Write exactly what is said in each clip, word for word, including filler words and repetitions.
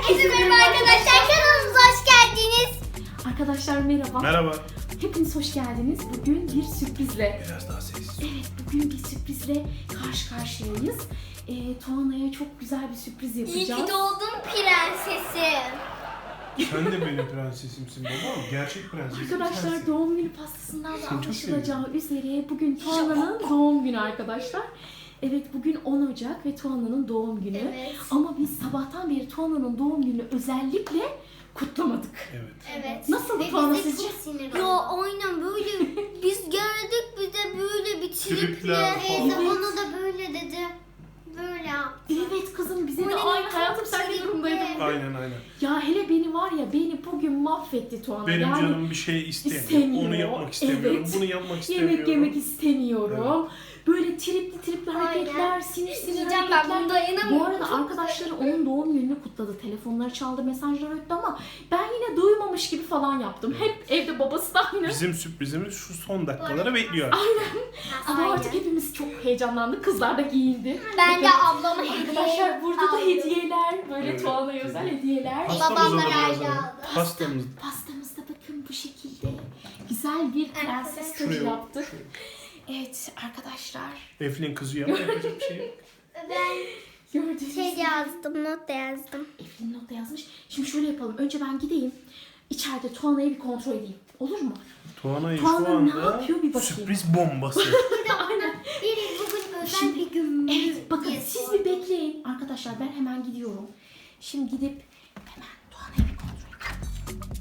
Herkese merhaba arkadaşlar, kanalımıza hoş geldiniz. Arkadaşlar merhaba. Merhaba. Hepiniz hoş geldiniz. Bugün bir sürprizle. Biraz daha sessiz. Evet, bugün bir sürprizle karşı karşıyayız. Ee, Tuana'ya çok güzel bir sürpriz İyi yapacağız. ki doğdun prensesim. Sen de benim prensesimsin baba. Gerçek prensesim Arkadaşlar sensin. doğum günü pastasından da Seni çok anlaşılacağı üzere bugün Tuana'nın doğum günü arkadaşlar. Evet, bugün on Ocak ve Tuana'nın doğum günü. Evet. Ama biz sabahtan beri Tuana'nın doğum gününü özellikle kutlamadık. Evet. Evet. Nasıl Ve Tuana biz de sizce? çok sinir Ya aynen böyle biz geldik bize böyle bir triple. Tripler falan. Teyze Evet. bana da böyle dedi. Böyle yaptı. Evet kızım, bize de Böyle aynı çok hayatım sen de tripli. durumdaydın. Aynen aynen. Ya hele beni var ya, beni bugün mahvetti Tuana. Benim yani canım bir şey istemiyor. istemiyor. Onu yapmak istemiyorum. Evet. Bunu yapmak istemiyorum. yemek yemek istemiyorum. Böyle tripli tripli Aynen. hareketler, sinir sinir Yiyeceğim ben, hareketler. bunu dayanamıyorum. Bu arada Çok arkadaşları onun doğum gününü kutladı. Telefonları çaldı, mesajlar öttü ama ben yine duymamış gibi falan yaptım. Hep evde babası da aynı. Bizim sürprizimiz şu son dakikaları bekliyor. Ama Aynen. artık hepimiz çok heyecanlandık. Kızlar da giyindi. Ben de Evet. ablama hediye Arkadaşlar burada da aldım. hediyeler. Böyle Evet. Tuana'ya özel hediyeler. Pastamıza da Babamlar biraz ayrı alalım. aldı. Pastamız. Pastamızda bakın bu şekilde güzel bir prenses Arkadaşlar. tacı Şuraya- yaptık. şuraya. Evet arkadaşlar, Eflin kızıyor ama yapacak bir şey yok. Ben gördüğünüz şey gibi yazdım, not da yazdım. Eflin not da yazmış. Şimdi şöyle yapalım. Önce ben gideyim. İçeride Tuana'yı bir kontrol edeyim. Olur mu? Tuana'yı şu Tuana ne anda yapıyor bir bakayım. sürpriz bombası. Aynen. Biri bugün özel Şimdi- bir gün mü Evet bakın diye siz sordu. bir bekleyin. Arkadaşlar ben hemen gidiyorum. Şimdi gidip hemen Tuana'yı bir kontrol edeyim.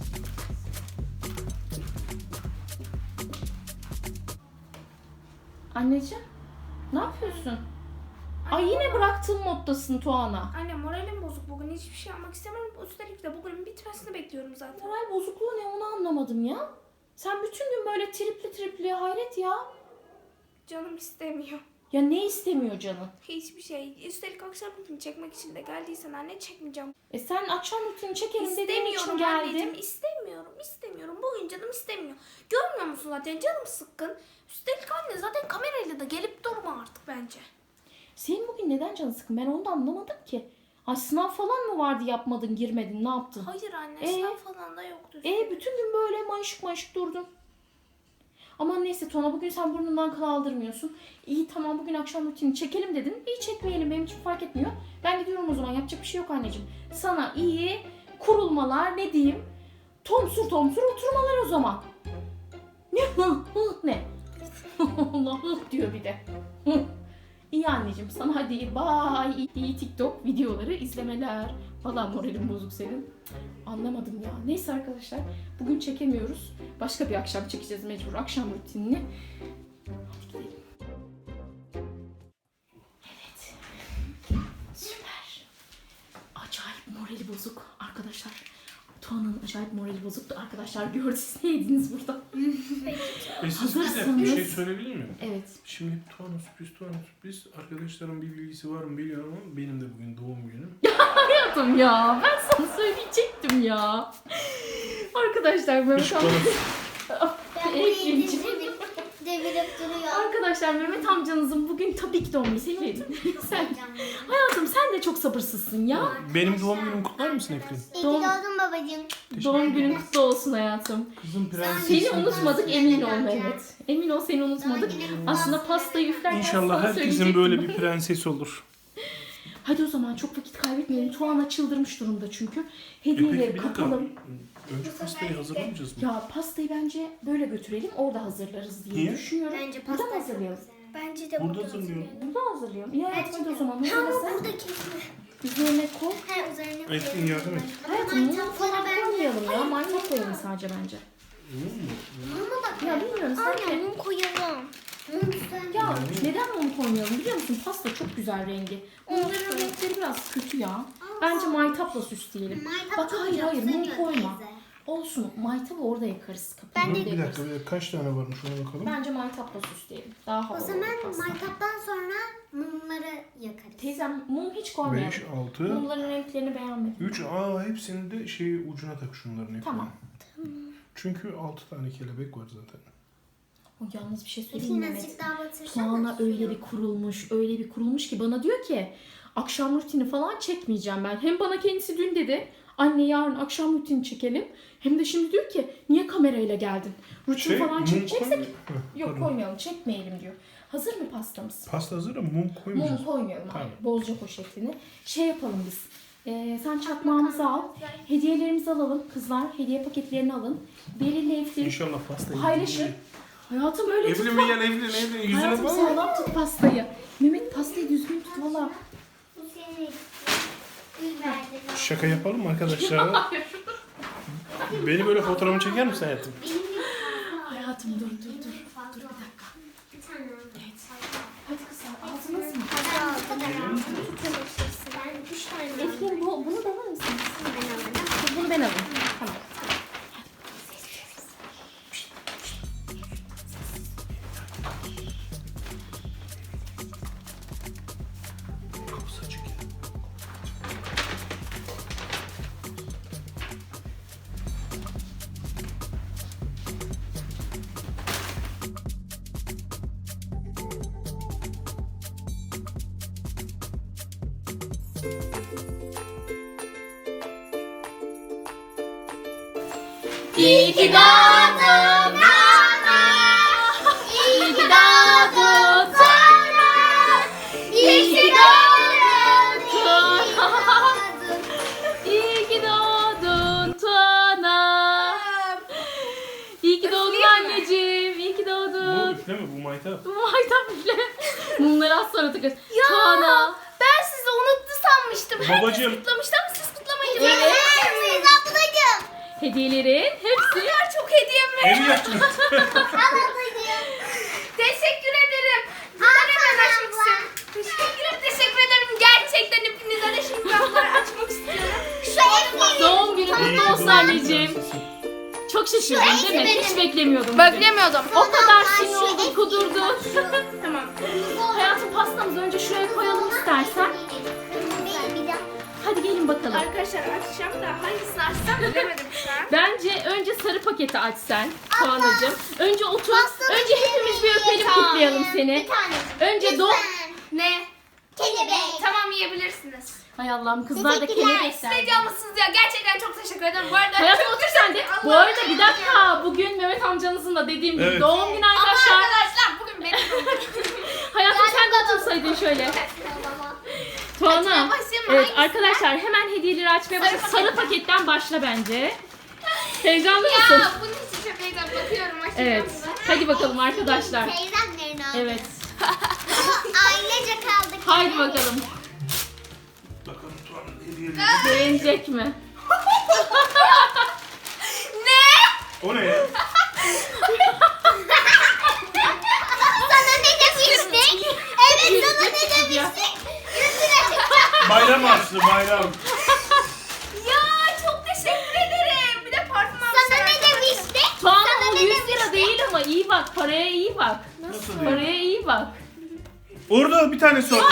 Anneciğim, ne yapıyorsun? Ay yine bıraktığın moddasın Tuana. Anne moralim bozuk bugün, hiçbir şey yapmak istemiyorum. Üstelik de bugünün bitmesini bekliyorum zaten. Moral bozukluğu ne, onu anlamadım ya. Sen bütün gün böyle tripli tripli, hayret ya. Canım istemiyor. Ya ne istemiyor canın? Hiçbir şey. Üstelik akşam rutini çekmek için de geldiysen anne çekmeyeceğim. E sen akşam rutini çekerim dediğin için İstemiyorum geldim. anneciğim. İstemiyorum. istemiyorum. Bugün canım istemiyor. Görmüyor musun zaten canım sıkkın. Üstelik anne zaten kamerayla da gelip durma artık bence. Senin bugün neden canın sıkın? Ben onu da anlamadım ki. Ay sınav falan mı vardı, yapmadın, girmedin, ne yaptın? Hayır anne, Ee? sınav falan da yoktu. E bütün gün böyle mayışık mayışık durdun. Ama neyse Tuana, bugün sen burnundan kıl aldırmıyorsun. İyi tamam, bugün akşam rutini çekelim dedin. İyi çekmeyelim, benim için fark etmiyor. Ben gidiyorum o zaman, yapacak bir şey yok anneciğim. Sana iyi kurulmalar, ne diyeyim? Tomsur tomsur oturmalar o zaman. Ne hı hı ne? Allah hı diyor bir de. Hı. İyi anneciğim, sana hadi bye. İyi TikTok videoları izlemeler. Vallahi moralim bozuk senin. Anlamadım ya. Neyse arkadaşlar, bugün çekemiyoruz. Başka bir akşam çekeceğiz mecbur, akşam rutinini. Hadi gidelim. Evet. Süper. Acayip morali bozuk arkadaşlar. Tuana'nın acayip morali bozuktu arkadaşlar. Gördünüz, ne yediniz burada? E siz bize bir Hazırsınız. şey söyleyebilir miyim? Evet. Şimdi Tuana sürpriz, Tuana sürpriz. Arkadaşlarım bir bilgisi var mı bilmiyorum ama benim de bugün doğum günüm. Hayatım ya, ben sana söyleyecektim ya. Arkadaşlar böyle Hiç bana Ben Ey, burayı Gülcüm. devirip, devirip duruyor. Arkadaşlar Mehmet amcanızın bugün tabii ki doğum günü. Senin sen, hayatım sen de çok sabırsızsın ya. benim doğum günümü kutlar mısın Eflin? İyi ki Doğum- doğdun babacığım. Doğum günün kutlu olsun hayatım. Kızım prensesim. Seni unutmadık, emin ol Mehmet. Emin ol, seni unutmadık. Doğum günün kutlu Aslında olsun. pastayı üflerken İnşallah sana herkesin söyleyecektim. böyle bir prenses olur. Hadi o zaman çok vakit kaybetmeyelim. Tuana çıldırmış durumda çünkü. E peki Hediyeleri bir dakika. kapalım. Önce pastayı hazırlamayacağız mı? Ya pastayı bence böyle götürelim, orada hazırlarız diye Niye? düşünüyorum. Bence Burada pasta mı hazırlayalım? Bence de Burada burada hazırlıyorum. Burada hazırlayalım. İyi hayatım, hadi o zaman. Ama Hazırlasın. burada kesme. Üzerine koy. He üzerine koyalım. Eflin yardım et. Hayatım mum falan koymayalım ya. Maytap koyalım sadece bence. Mama bak. Ya bilmiyorum sen Aynen de. mum koyalım. Mum güzel. Ya neden mum koymayalım biliyor musun? Pasta çok güzel rengi. Onların renkleri biraz kötü ya. Bence maytapla süsleyelim. Maytap Bak çok hayır hayır mum seviyor koyma. teyze. Olsun, maytabı orada yakarız. Kapıyı Ben de- orada Bir yakarız. dakika, bir dakika. Kaç tane varmış ona bakalım. Bence maytapla süsleyelim. Daha O havalı olur zaman pasta. maytaptan sonra mumları yakarız. Teyzem mum hiç koymayalım. beş, altı, Mumların renklerini beğenmedim. üç. Aa hepsini de şey ucuna tak şunların hepsini. Tamam. Çünkü altı tane kelebek var zaten. O yalnız bir şey söyleyeyim Eflin mi Mehmet? azıcık daha batırsana. Tuana öyle bir kurulmuş, öyle bir kurulmuş ki bana diyor ki akşam rutini falan çekmeyeceğim ben. Hem bana kendisi dün dedi anne yarın akşam rutini çekelim. Hem de şimdi diyor ki niye kamerayla geldin? Rutin Şey, falan mum çekeceksek koy- Heh, yok pardon. koymayalım çekmeyelim diyor. Hazır mı pastamız? Pasta hazır ama mum koymayacağız. Mum koymayalım. Tamam. Hayır. Bozca poşetini. Şey yapalım biz. Ee, sen çakmağımızı al. Hediyelerimizi alalım. Kızlar hediye paketlerini alın. Beril'le Eflin İnşallah pastayı. paylaşın. Hayatım öyle Evlin tutma. mi gel Evlin Evlin yüzüne Hayatım bak. sağlam tut pastayı. Mehmet pastayı düzgün tut valla. Bu senin. Gül verdi. Şaka yapalım mı arkadaşlar? Beni böyle fotoğrafımı çeker misin hayatım? Benim bir fazla. Hayatım dur dur dur. Fazla. Dur bir dakika. Bir tane aldım. Evet. Hadi kızlar ağzınız mı? Fazla aldım. Ben üç tane aldım. Eflin bu, bunu da alır mısınız? Ben aldım. Bunu ben alayım. Tamam. Kapısı açık ya. İyi ki doğdun Nana. İyi ki doğdun Tana. İyi ki doğdun Tana. İyi ki doğdun Tana. İyi ki doğdun anneciğim. İyi ki Bu doğdun. üfleme bu maytap. Maytap bile. Mumları az sonra takarız. Tana. Ben sizi unuttu sanmıştım. Babacığım. Herkes kutlamıştı ama siz kutlamayınca Evet. ben Siz ablacığım. Hediyelerin hepsi. kadar çok hediyem var. Evi yaktınız. Ablacığım. Teşekkür ederim. Bunları hemen açmak istiyorum. Teşekkür ederim. Teşekkür ederim. Gerçekten hepinize de şimdi ben bunları açmak istiyorum. Şu evli. Doğum günü kutlu olsun anneciğim. Çok şaşırdım değil mi? Hiç beklemiyordum. bugün. Beklemiyordum. O kadar sinir oldun, kudurdun. Tamam. Hayatım pastamızı önce şuraya koyalım istersen. Bir de Hadi gelin bakalım. Arkadaşlar açacağım da hangisini açsam bilemedim şu an. Bence önce sarı paketi aç sen Tuana'cığım. Önce otur. Pastanın Önce hepimiz bir öpelim tane. kutlayalım seni. Bir tane. Önce doğ... Ne? Kelebek. Tamam yiyebilirsiniz. Hay Allah'ım kızlar da Teşekkürler. kelebekler. Size canlısınız ya. Gerçekten çok teşekkür ederim. Bu arada Hayatım çok otur sen de. Bu arada bir dakika. Bugün Mehmet amcanızın da dediğim gibi Evet. doğum günü Ama arkadaşlar. arkadaşlar bugün benim doğum günüm. Hayatım sen de otursaydın şöyle. Tuana. Açmaya başlayayım mı? Evet Hangisi? arkadaşlar hemen hediyeleri açmaya Sarı başlayalım. Sarı paketten. paketten başla bence. Heyecanlı mısın? Ya bunun için çok heyecan bakıyorum. Açacağım Evet. bunu. Hadi bakalım arkadaşlar. Teyzemlerini aldım. Evet. Ama ailece kaldık. Haydi bakalım. Bakalım Tuan'ın hediyeleri. Beğenecek mi? Ne? O ne ya? Sana ne demiştik? Evet sana ne demiştik? Yüz lira çıktı. Bayram harçlı bayram. Ya çok teşekkür ederim. Bir de parfüm almışlar. Sana ne arkadaşlar. demiştik? Tuana Sana o ne yüz lira demiştik? değil ama iyi bak. Paraya iyi bak. Nasıl değil? Paraya iyi bak. Orada bir tane sor.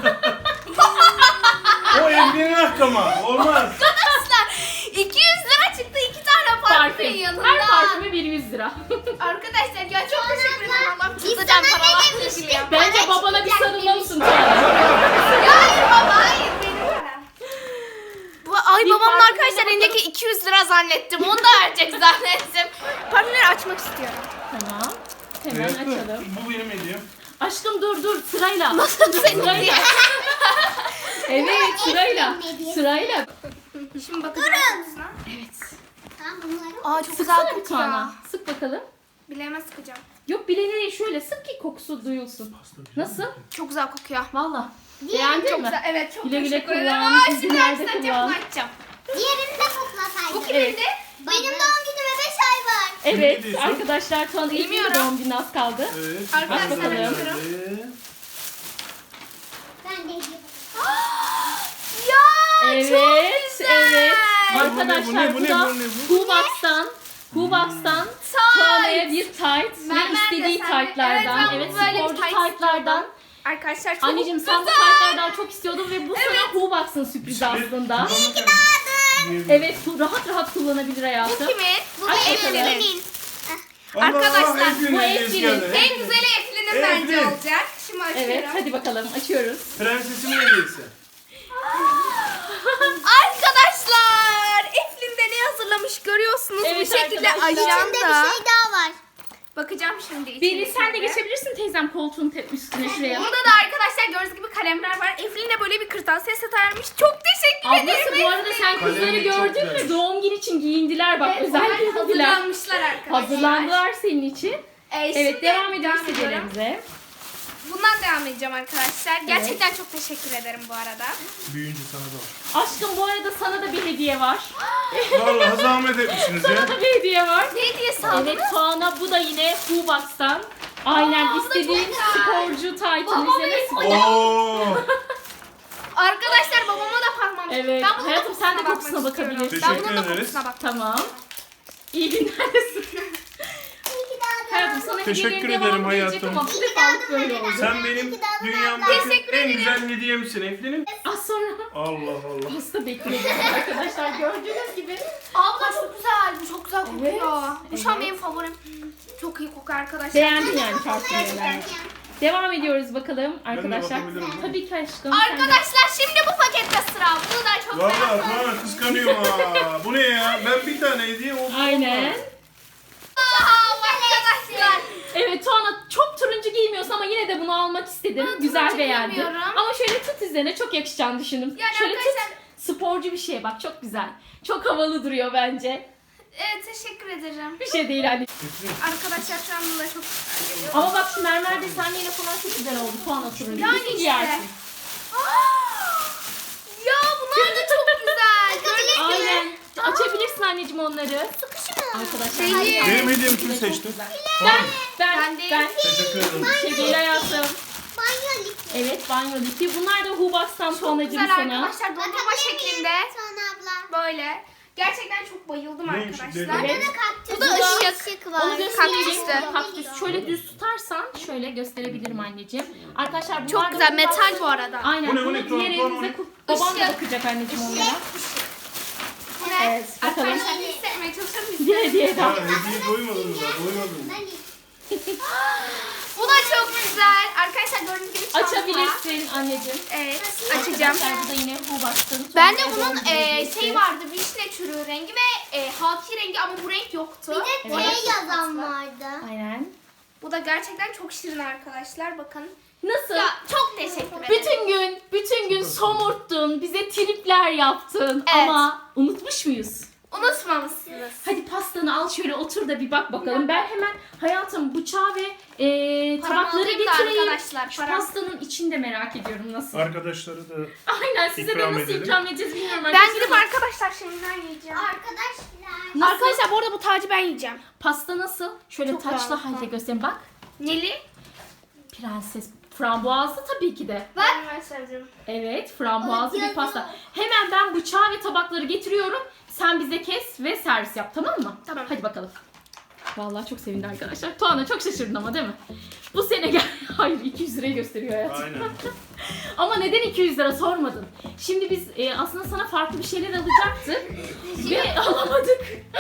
O Evlin'in hakkı ama. Olmaz. Arkadaşlar iki yüz lira çıktı iki tane parfümün Parfüm. yanında. Her parfüme bir yüz lira. Arkadaşlar ya çok teşekkür ederim. Allah'ım Biz çıtacağım sana ne paralar demiştik? dökülüyor. Bence Para babana bir çıkacak sarılmalısın demiştik. Tuana. Ya hayır baba hayır benim para. Bu, ay Bir babamın parfümüne arkadaşlar bakalım. elindeki iki yüz lira zannettim. Onu da verecek zannettim. Parfümleri açmak istiyorum. Tamam. Hemen Evet, açalım. bu benim hediyem. Aşkım dur dur sırayla. Nasıl senin Sırayla. diye. Evet sırayla. Efendim, ne Sırayla. Şimdi bakacağım. Durun. Evet. Tamam bunları. Aa çok güzel Sıksana bir kokuyor. Tuana. Sık bakalım. Bileğime sıkacağım. Yok bileğine şöyle sık ki kokusu duyulsun. Pasta güzel. Nasıl? Çok güzel kokuyor. Valla. Diğerini Beğendin Çok mi? güzel. Evet çok Güle güle teşekkür ederim. kullan, Aa güle şimdi güle açacağım. kullan. Bunu açacağım. Diğerini de koklasaydın. Bu kimindi? Benim doğum günüme beş ay var. Evet Ne diyorsun? arkadaşlar Tuana ilk Bilmiyorum. doğum günü az kaldı. Evet. Arkadaşlar, Pasta da bakalım. geldi. Ben de hediye Ya Evet, çok güzel. evet. Bu ne, bu ne, Arkadaşlar bu bu ne, da bu ne, bu? Hubox'tan Hubox'tan Tight. Tuana'ya bir tight Ben- ben ve de istediği sen de- tight'lardan. Evet, ben Evet, böyle bir sporcu tight tight'lardan. Arkadaşlar çok Anneciğim sen bu güzel. tight'lardan çok istiyordun ve bu sana Hubox'ın sürprizi aslında. Evet. Evet, bu rahat rahat kullanabilir hayatım. Bu kimin? Bu Aç benim bakalım. benim. Arkadaşlar, bu Eflin'in. En güzeli Eflin'in Eflin. bence olacak. Şimdi açıyorum. Evet, hadi bakalım açıyoruz. Prensesimin hediyesi. Arkadaşlar Eflin de ne hazırlamış görüyorsunuz. Evet Bu şekilde arkadaşlar. İçinde bir ajanda. şey daha var. Bakacağım şimdi Beni içindekine sen de de. geçebilirsin teyzem koltuğun te- üstüne şuraya. Burada da arkadaşlar gördüğünüz gibi kalemler var. Eflin de böyle bir kırtasiye seti ayarmış. Çok teşekkür ederim. Ablası bu arada sen Kalemlik kızları çok gördün güzelmiş. mü? Doğum günü için giyindiler bak Evet, özel onlar giyindiler. hazırlanmışlar arkadaşlar. Hazırlandılar senin için. Ee, Evet şimdi devam ediyoruz devam ediyorum. hediyelerimize. Bundan devam edeceğim arkadaşlar. Gerçekten çok teşekkür ederim bu arada. Büyüyünce sana da var. Aşkım bu arada sana da bir hediye var. Vallahi zahmet etmişsiniz Sana ya. da bir hediye var. Ne hediyesi aldın? Evet Tuana bu da yine Hubox'tan. Aynen Aa, bu da istediğin çok güzel. sporcu taytın Babam üzerine. Oo. Arkadaşlar babama da bakmam. Evet, Ben bunun hayatım, sen de kokusuna kokusuna bakmak istiyorum. bakabilirsin. Ben bunun da Teşekkür ederiz. kokusuna bak. Tamam. İyi günlerdesin. İki daha da. Hayatım sana Teşekkür hediyelerin ederim devamı gelecek hayatım. ama bu defalık böyle oldu. Sen benim dünyamdaki en güzel hediyemsin Eflin'im. Az sonra Allah Allah. pasta bekliyoruz arkadaşlar gördüğünüz gibi. Abla çok güzel. Bu çok güzel kokuyor. Evet, Bu şu an evet. benim favorim. Çok iyi kokuyor arkadaşlar. Beğendin yani parfümleri. Devam ediyoruz bakalım arkadaşlar. bakabilirim. Tabii ki aşkım. sen de. Arkadaşlar şimdi bu pakette sıra. Bunu da çok Vallahi merak ediyorum. Tuana kıskanıyorum ha. Bu ne ya? Ben bir tane hediye oldu. Aynen. Aa, arkadaşlar. Evet Tuana çok turuncu giymiyorsun ama yine de bunu almak istedim. Ben Güzel turuncu beğendim. giymiyorum. Ama şöyle tut üzerine çok yakışacağını düşündüm. Yani şöyle arkadaşlar- tut. Sporcu bir şey bak çok güzel. Çok havalı duruyor bence. Evet teşekkür ederim. Bir şey değil hani. Eflin, Arkadaşlar şu anda da çok güzel geliyor. Ama bak şu mermer desenliğine falan çok güzel oldu. Tuana turuncu. Yani Kesin işte. giyersin. Ya bunlar da çok güzel. Gördünüz mü? Aynen. Açabilirsin anneciğim onları. Arkadaşlar. Değil. hadi. Benim hediyemi kim seçti? Ben, ben, Ben ben. değil. Teşekkür ederim. Bir şey değil hayatım. Banyo lifi. Evet banyo lifi. Bunlar da Hubox'tan Çok Tuana'cığım güzel sana. arkadaşlar. Dondurma şeklinde. Sonra abla. Böyle. Gerçekten çok bayıldım Neymiş, arkadaşlar. dedi? Evet. Kaktüs. Bu da ışık. ışık var. Onu göstereyim. Kaktüsü. Kaktüs. Şöyle düz tutarsan şöyle gösterebilirim anneciğim. Arkadaşlar bunlar Çok da güzel. Hubox- Metal bu arada. Aynen. Bu ne, bu Bunu ne? Tuana, diğer Tuana, elimizde o ne? ku- Babam da Işık. bakacak anneciğim onlara. Bu ne? Evet, bakalım. Arkadaşlar hissetmeye çalışır mısınız? Bir hediye daha. Ha hediye doymadın mı daha? Doymadın mı? Bu da çok güzel. Arkadaşlar gördüğünüz gibi çanta. Açabilirsin anneciğim. Evet açacağım. Arkadaşlar bu da yine Hubox'tan. Bende Tuana'ya bunun doğum günü e, hediyesi. şey vardı, vişne çürüğü rengi ve e, haki rengi ama bu renk yoktu. Bir de Evet. T yazan vardı. Aynen. Bu da gerçekten çok şirin arkadaşlar. Bakın. Nasıl? Ya çok teşekkür ederim. Bütün gün, bütün gün somurttun, bize tripler yaptın Evet. ama unutmuş muyuz? Unutmamışsınız. Hadi pastanı al şöyle otur da bir bak bakalım. Ben hemen hayatım bıçağı ve e, Paramı tabakları alayım da getireyim. arkadaşlar, Şu param. pastanın içini de merak ediyorum nasıl. Arkadaşları da Aynen size İkram de nasıl edelim. ikram edeceğiz bilmiyorum. Ben arkadaşlar gidip ama arkadaşlar şimdiden yiyeceğim. Arkadaşlar. Nasıl? Arkadaşlar bu arada bu tacı ben yiyeceğim. Pasta nasıl? Şöyle Çok taçlı harika. halde göstereyim bak. Neli? Prenses frambuazlı tabii ki de. Bak. Ben sevdim. Evet, frambuazlı bir Ay, pasta. canım. Hemen ben bıçağı ve tabakları getiriyorum. Sen bize kes ve servis yap, tamam mı? Tamam. Hadi bakalım. Vallahi çok sevindi arkadaşlar. Tuana çok şaşırdın ama değil mi? Bu sene gel. Hayır iki yüz lirayı gösteriyor hayatım. aynen. Ama neden iki yüz lira sormadın. Şimdi biz e, aslında sana farklı bir şeyler alacaktık ve alamadık.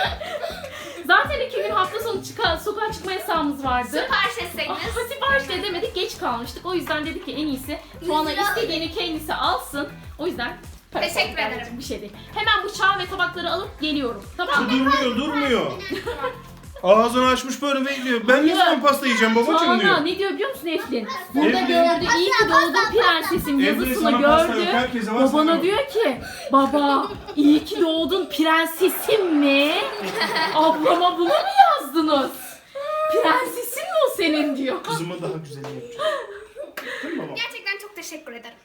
Zaten iki gün hafta sonu çıka, sokağa çıkma yasağımız vardı. Sipariş Ah, etseniz. sipariş de edemedik, geç kalmıştık. O yüzden dedik ki en iyisi Tuana istediğini kendisi alsın. O yüzden para Teşekkür sormak ederim. lazım, bir şey değil. Hemen bıçağı ve tabakları alıp geliyorum. Tamam mı? Durmuyor durmuyor. Ağzını açmış böyle bekliyor. Ben ne zaman pasta yiyeceğim babacığım Tuana diyor. ne diyor biliyor musun Eflin? Burada Eflin. gördü, iyi ki doğdun prensesim Eflin, yazısını sana pasta yok, gördü. herkese var, sana Babana yok. diyor ki, baba iyi ki doğdun prensesim mi? Ablama bunu mu yazdınız? Prensesin mi o senin diyor. Kızıma daha güzelini yapacağım. Değil mi baba? Gerçekten çok teşekkür ederim.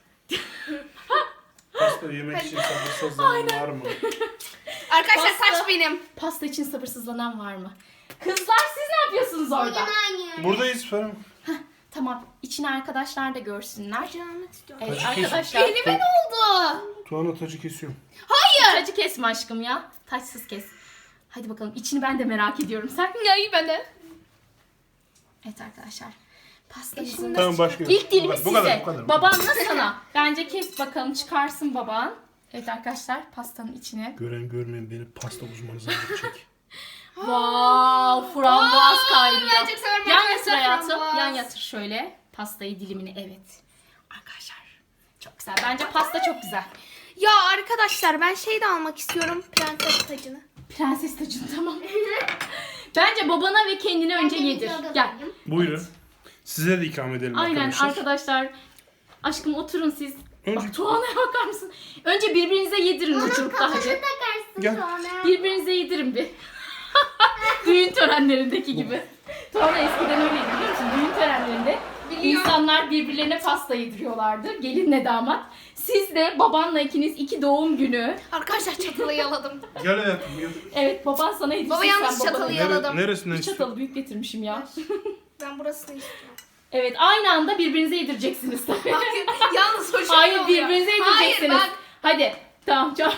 Pasta yemek için sabırsızlanan var mı? Arkadaşlar Pasta. saç benim. Pasta için sabırsızlanan var mı? Kızlar siz ne yapıyorsunuz orada? Bugün aynı. Buradayız Ferhan. Tamam, içini arkadaşlar da görsünler. Almak istiyorum. Evet Tacı kes. arkadaşlar. Elime ne oldu? Tuana tacı kesiyorum. Tacı kesme aşkım ya. Taçsız kes. Hadi bakalım içini ben de merak ediyorum. Sen? Ya iyi ben de. Evet arkadaşlar. Pastamızın Tamam başlıyoruz. İlk dilimi Bu size. kadar, bu kadar, bu kadar. Babanla sana. Bence kes bakalım çıkarsın baban. Evet arkadaşlar pastanın içine. Gören görmeyen beni pasta uzmanı zannedecek. Wow, frambuaz kaynıyor. ben çok severim Yan arkadaşlar yatır hayatım. frambuaz. Yan yatır şöyle. Pastayı dilimini evet. Arkadaşlar çok güzel. Bence pasta çok güzel. Ya arkadaşlar ben şey de almak istiyorum. Prenses tacını. Prenses tacın tamam. Bence babana ve kendine önce Ben de yedir. videoda Gel. koydum. Buyurun. Size de ikram edelim Aynen arkadaşlar. arkadaşlar. Aşkım oturun siz. Önce- Bak Tuana'ya bakar mısın? Önce birbirinize yedirin Onun uçurukta kafasını hadi. takarsın Gel. sonra. Birbirinize yedirin bir. Düğün törenlerindeki gibi. Tuana eskiden öyleydi biliyor musun? Düğün törenlerinde Biliyorum. insanlar birbirlerine pasta yediriyorlardı. Gelinle damat. Siz de babanla ikiniz iki doğum günü. Arkadaşlar çatalı yaladım. Gel hayatım gel. Evet baban sana yedirsin. Baba yalnız sen babana çatalı yedir. yaladım. Nere, neresinden Bir istiyorsun? çatalı büyük getirmişim ya. Ben burasını istiyorum. Evet aynı anda birbirinize yedireceksiniz tabii. Hayır, yalnız hoşuma Hayır oluyor. birbirinize Hayır yedireceksiniz. bak. Hadi tamam çok.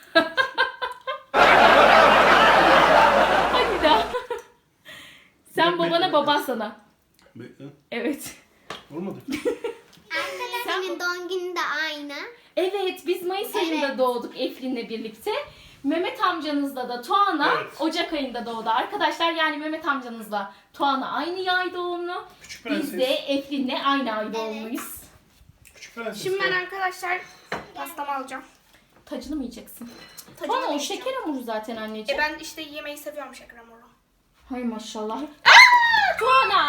Hadi daha. Sen Bekle, babana bekle. baban sana. Bekle. Evet. Olmadı. Arkadaşımın doğum günü de aynı. Evet biz Mayıs ayında Evet. doğduk Eflin'le birlikte. Mehmet amcanızla da Tuana Evet. Ocak ayında doğdu arkadaşlar. Yani Mehmet amcanızla Tuana aynı yay doğumlu. Küçük Biz prenses. de Eflin'le aynı ay doğumluyuz. Küçük prenses. Şimdi ben gel. arkadaşlar pastamı alacağım. Tacını mı yiyeceksin? Tacını Tuana o yiyeceğim. şeker hamuru zaten E anneciğim. ben işte yemeği seviyorum şeker hamuru. Hay maşallah. Aa, Tuana!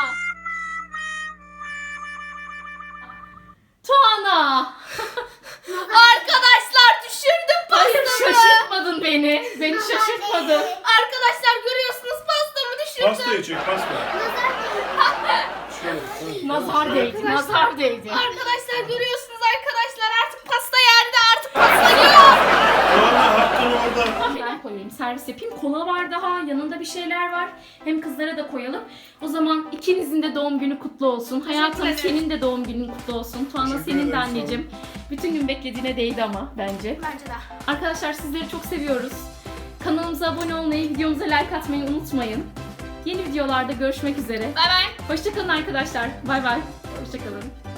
Tuana! Arkadaşlar düşürdüm Hayır pastamı. şaşırtmadın beni. Beni şaşırtmadın. Arkadaşlar görüyorsunuz pastamı düşürdüm. Pastayı çek pasta. Şöyle. şöyle. Nazar değdi, nazar değdi. Arkadaşlar görüyorsunuz arkadaşlar artık pasta yerde artık pasta yok. Tuana hakkın orada. Ben koyayım, servis yapayım. Kola var daha, yanında bir şeyler var. Hem kızlara da koyalım. O zaman ikinizin de doğum günü kutlu olsun. Hayatım ederim. senin de doğum günün kutlu olsun. Tuana Teşekkür senin de ederim, sağ ol. anneciğim. Bütün gün beklediğine değdi ama bence. Bence de. Arkadaşlar sizleri çok seviyoruz. Kanalımıza abone olmayı, videomuza like atmayı unutmayın. Yeni videolarda görüşmek üzere. Bay bay. Hoşçakalın arkadaşlar. Bay bay. Hoşçakalın.